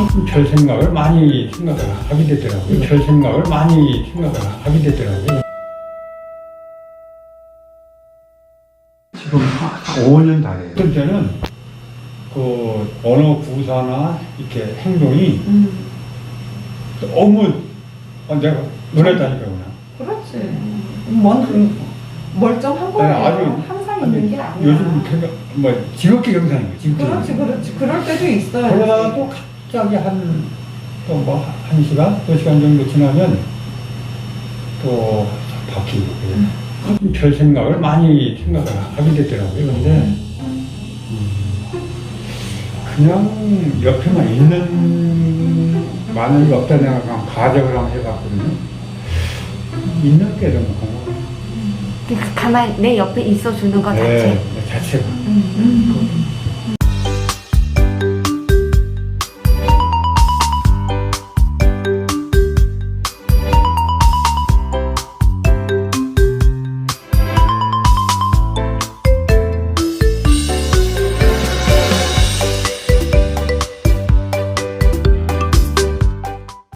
별 생각을 많이 생각을 하게 되더라고요. 별 생각을 많이 생각을 하게 되더라고요. 지금 5년 다 돼요. 어떤 때는 그 언어 구사나 이렇게 행동이 너무 내가 놀랬다니까요. 그냥. 그렇지. 멀쩡한 네, 거예요. 아주 항상 있는 게 아니야. 요즘 뭐 지극히 경상인 거예요. 지극히. 그렇지. 그럴 때도 있어요. 그러다가 또 갑자기 또 뭐 1시간, 2시간 정도 지나면 또 바뀌고 그래요. 별 생각을 많이 생각을 하게 되더라고요. 근데 그냥 옆에만 있는 마늘이 없다 내가 그냥 가정을 한번 해봤거든요. 있는 게 너무 고마워요. 가만히 내 옆에 있어주는 것 자체. 네, 자체가.